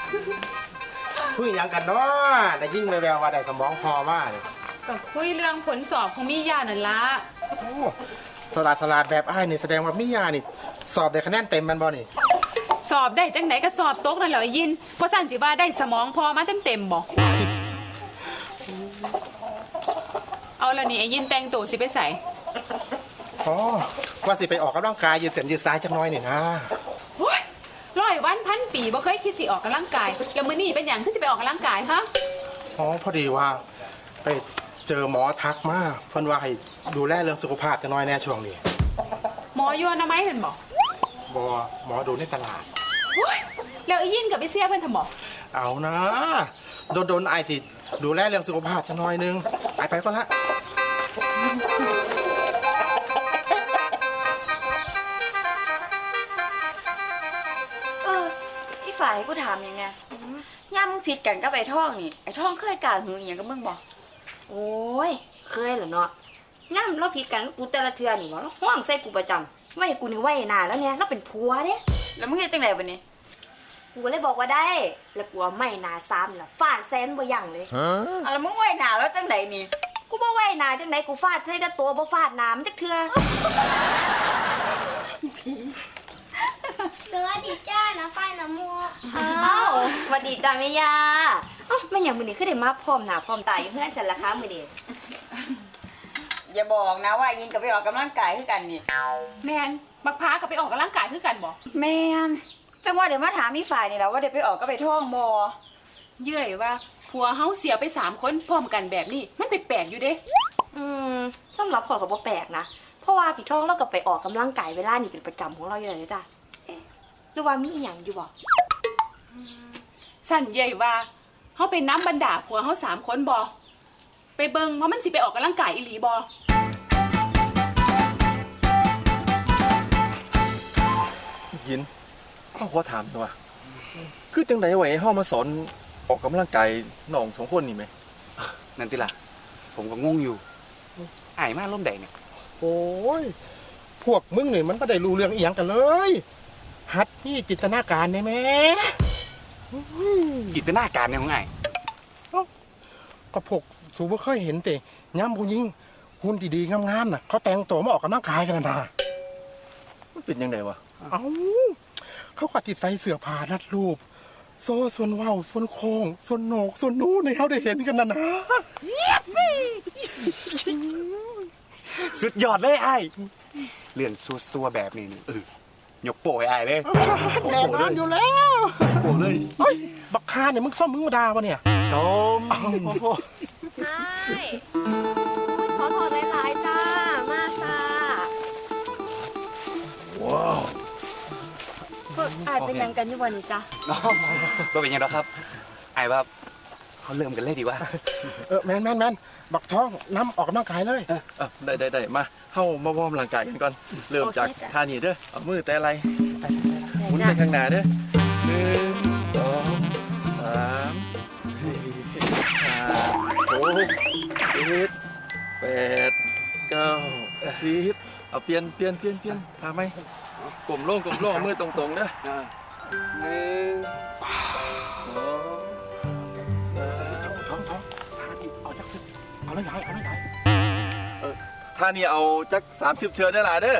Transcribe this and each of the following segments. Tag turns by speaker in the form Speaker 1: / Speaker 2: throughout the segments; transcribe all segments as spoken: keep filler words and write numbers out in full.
Speaker 1: คุยยังกันเนาะได้ยิ่งแววๆว่าได้สมองพอมากเลย
Speaker 2: ก็คุยเรื่องผลสอบของมิยานั่นละ
Speaker 1: โอ้สลาดสลาดแบบไอ้ายนี่แสดงว่ามิยานี่ สอบได้คะแนนเต็มมันบ่นี่
Speaker 2: สอบได้จังไหนก็สอบตกนั่นแหละไอ้ยินเพราะสั่นจิว่าได้สมองพอมาเต็มเต็มๆบ่เอาละนี่ไอ้ยินแต่งตัวสิไปใส่
Speaker 1: อ๋อว่าสิไปออกกำลังกายยืดเส้นยืดสายจังน้อยนี่นะ
Speaker 2: โอ้ยร้อยวันพันปีบ่เคยคิดสิออกกำลังกายแล้วมื้อนี้เป็นหยังที่จะไปออกกำลังกายฮะ
Speaker 1: อ๋อพอดีว่าไปเจอหมอทักมาเพิ่นว่าให้ดูแลเรื่องสุขภาพจังน้อยแน่ช่วงนี้
Speaker 2: หมออยู่อนามัยเห็นบ่
Speaker 1: บอหมอดูในตลาด
Speaker 2: โอ้ยแล้วไอ้ยินกับไอ้เสียเพิ่นทำบ่
Speaker 1: เอานะโดนโดนไอายที่ดูแลเรื่องสุขภาพจังน้อยนึงไอายไปก่อนละ
Speaker 3: เอออีฝ่ายกูถามยังไงย่ามึงผิดกันกับไอ้ท่องนี่ไอ้ท่องเคยกล่าวหึงอหย่างกับมึงบอก
Speaker 4: โอ้ย เคยเหรอเนาะย่ำเราผิดกันกับกูแต่ละเทือนี่วะเราห้องใส่กูประจำไว้กูนี่ไว้นานแล้วเนี่ยเราเป็นผัวเด้
Speaker 3: แล้วมึงเฮ็ดจังไดบัดนี้
Speaker 4: กูเลยบอกว่าได้ แล้วกูว่าไม่นาซ้ำล่ะฟาดแซนบ่ยั้งเลย
Speaker 3: อ่ะแล้วมึงไว้หน้าแล้วจังไดนี่
Speaker 4: กูบ่ไว้นาจังไหนกูฟาดใส่แต่ตัวบ่ฟาดน้ำจักเทือ
Speaker 5: สวัสดีจ้านะไฟน้ำมูก
Speaker 4: อ้าวสวัสดีจ้าแม่ยาเอ้าแม่หยังมื้อนี้คือได้มาพร้อมหน้าพร้อมตาอยู่เฮือนฉันล่ะคะมื้อนี้
Speaker 3: อย่าบอกนะว่ายินกับไปออกกำลังกายคือกันนี่
Speaker 2: แม่นบักพร้าก็ไปออกกำลังกายคือกันบ่
Speaker 3: แม่นจังว่าเดี๋ยวมาถามอีฝ่ายนี่แหละว่าเดี๋ยวไปออกก็ไปท่องบ่
Speaker 2: เยื่อยว่าผัวเฮาเสียไปสามคนพร้อมกันแบบนี้มันแปลกๆอยู่เด้
Speaker 4: อืมสำหรับข่อยก็บ่แปลกนะเพราะว่าพี่ท้องเราก็ไปออกกำลังกายเวลานี่เป็นประจำของเราอยู่แล้วจ้ะเอ๊ะหรือว่ามีอีหยังอยู่บ่
Speaker 2: สั่นใหญ่ว่าเขาไปน้ำบรรดาผัวเขาสามคนบอไปเบิงว่ามันสิไปออกกำลังกายอีหลีบอ
Speaker 6: ยินข้าขอถามหน่อยว่าคือจังไดไว้ให้เฮามาสอนออกกำลังกายน้องสองคนนี่ไหม
Speaker 7: นั่นติล่ะ ผมก็งงอยู่อายมาล่มใดเนี่ย
Speaker 1: โอ้ยพวกมึงนี่มันไม่ได้รู้เรื่องอีหยังกันเลย หัดนี่จินตนาการได้ไหม
Speaker 7: จินตนาการเนี่ยของอาย
Speaker 1: ก็พวกสูบ่เคยเห็นแต่ย้ำผู้หญิงหุ่นดีๆงามๆน่ะเขาแต่งตัวมาออกกำลังกายกันนะ
Speaker 6: มันเป็นยังไงวะ
Speaker 1: เอ้าเขาก็ติดใส่เสื้อผ้ารัดรูป โซ่ส่วนเว้าส่วนโค้งส่วนโหนกส่วนนู้นให้เขาได้เห็นกันนะนะ
Speaker 7: สุดยอดเลยอายเรื่องซัวๆแบบนี้นี่เออยกโป้ให้อายเลย
Speaker 1: แน่นอนอยู่แล้ว
Speaker 6: โอ้เลย
Speaker 1: เฮ้ยบักคาเนี่ยมึงซ่อมมึงมาดาวะเนี่ย
Speaker 7: ส้ม
Speaker 1: โอ้โห
Speaker 4: ใช่ขอโทษหลายๆจ้า มาซา
Speaker 6: ว้าว
Speaker 4: พวกอายเป็นหยังกันอยู่บ่นี่จ้ะ
Speaker 7: น้องก็เป็นยังไงครับอายว่าเขาเริ่มกันเลยดีกว่า
Speaker 1: เออแมนแมนแมนบักท้องน้ำออกกำลังกายเลย
Speaker 6: เออได้ได้ได้มาเฮามาวอร์มร่างกายกันก่อนเริ่มจากท่านี้เด้อเอามือแต่อะไรหมุนไปข้างหน้าเด้อหนึ่งสองสามสี่ห้าหกเจ็ดแปดเก้าสิบเอาเปลี่ยนเปลี่ยนเปลี่ยนเปลี่ยนทำไหมกลมโล่งกลมโล่งเอามือตรงๆเด้อหนึ่งสองสาม
Speaker 1: ท้องท้องทานี่เอาจักสิเอาแล้วยายเอาแล้วยาย
Speaker 6: ท่านี้เอาจักสามสิบเชือได้หลายเด้อ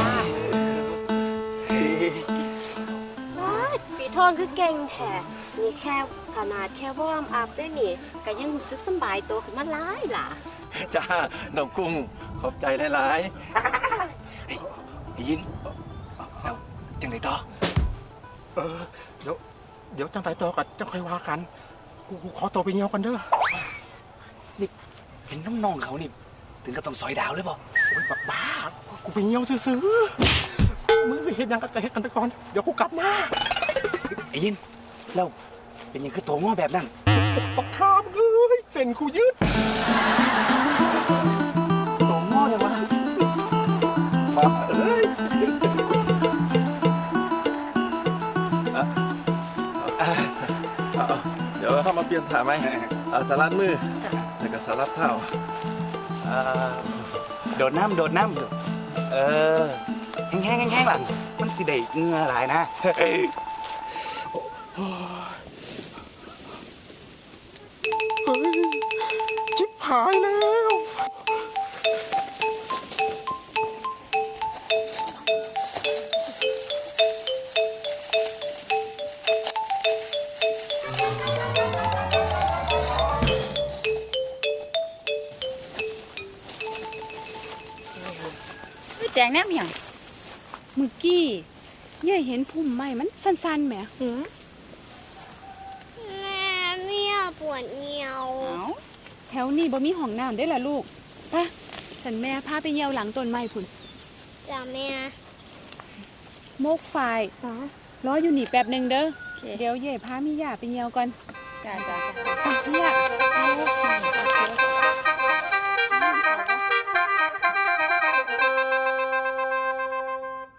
Speaker 4: ปีทองคือเก่งแท้นี่แค่ขนาดแค่วอร์มอัพได้นี่ก็ยังรู้สึกสำบายตัวขึ้นมาหลายล่ะ
Speaker 6: จ้าน้องกุ้งขอบใจหลาย
Speaker 7: ไอ้ยินแล้วจังไดต่อ
Speaker 1: เออเดี๋ยวเดี๋ยวจังไตตัวกันจะค่อยว่ากันกูกูขอตัวไปเงี้ยวกันเด้อ
Speaker 7: เห็นน้องๆเขานี่ถึงกับต้องซอยดาวเลยบ่
Speaker 1: โอ้ยบักบ้ากูไปเงี้ยวซื้อๆมึงสิเห็นยังกันแต่เห็นกันไปก่อนเดี๋ยวกูกลับมา
Speaker 7: ไอ้ยินแล้วเป็นยังคือโตงอแบบนั้น
Speaker 1: บักทามเอ้ยเส้นกูยืด
Speaker 7: โตงอเลยวะ
Speaker 6: มาเอ้ยอ่ะอ่ะเอาเอาเดี๋ยวเข้ามาเปลี่ยนท่าไหมเอาสลัดมือแล้วก็สลัดเท้า
Speaker 7: เอ่อโดดน้ำโดดน้ำเออแห้งๆแห้งๆหลังมันสิได้เหงื่อหลายนะ
Speaker 1: เายแล้ว
Speaker 3: แจงแนมหยัง
Speaker 2: เมื่อกี้เย่เห็นพุ่มไม้มันสั้นๆแหม
Speaker 4: หืม
Speaker 5: แม่เมียปวดเงียว
Speaker 2: เอ้าแถวนี้บ่มีห้องน้ำได้อล่ะลูกไปะฉันแม่พาไปเยี่ยวหลังต้นไม้พุ่น
Speaker 5: จ้ะแม่
Speaker 2: โมกฝ่าย
Speaker 4: อ๋อ
Speaker 2: รออยู่นี่แป๊บหนึงเด้อ
Speaker 3: โอเค
Speaker 2: เดี๋ยวเย่พามีย่าไปเยี่ยวก่อน
Speaker 3: จ้าจ้า
Speaker 2: ไปย่า